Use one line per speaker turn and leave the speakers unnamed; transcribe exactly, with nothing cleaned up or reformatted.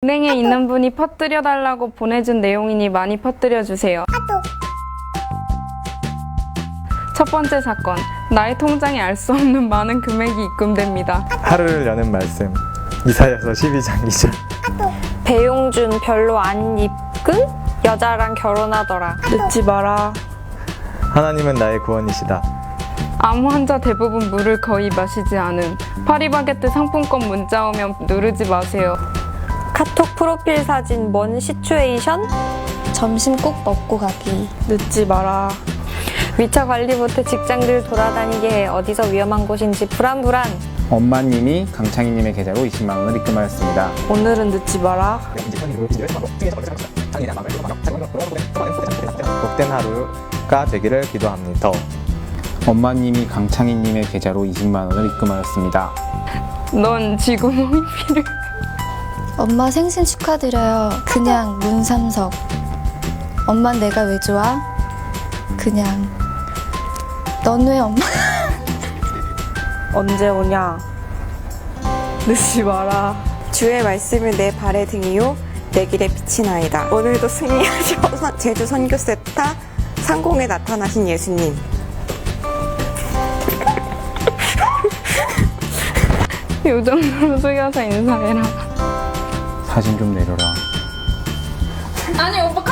은행에 있는 분이 퍼뜨려달라고 보내준 내용이니 많이 퍼뜨려주세요. 첫 번째 사건, 나의 통장에 알 수 없는 많은 금액이 입금됩니다.
하루를 여는 말씀. 이사여서 십이 장 이 절.
배용준 별로 안 입금? 여자랑 결혼하더라.
늦지 마라.
하나님은 나의 구원이시다.
암 환자 대부분 물을 거의 마시지 않음. 파리바게뜨 상품권 문자 오면 누르지 마세요.
카톡 프로필 사진 뭔 시츄에이션?
점심 꼭 먹고 가기. 늦지 마라.
위쳐 관리 못해 직장들 돌아다니게 해. 어디서 위험한 곳인지 불안불안.
엄마님이 강창희님의 계좌로 이십만 원을 입금하였습니다.
오늘은 늦지 마라.
복된 하루가 되기를 기도합니다.
엄마님이 강창희님의 계좌로 이십만 원을 입금하였습니다.
넌 쥐구멍이 필요해.
엄마 생신 축하드려요. 그냥 문삼석. 엄마 내가 왜 좋아? 그냥 넌 왜 엄마?
언제 오냐? 늦지 마라. 주의 말씀을 내 발의 등이요 내 길에 빛이 나이다. 오늘도 승리하셔서 제주 선교 세타 상공에 나타나신 예수님.
요 정도로 숙여서 인사해라.
사진 좀 내려라.
아니 오빠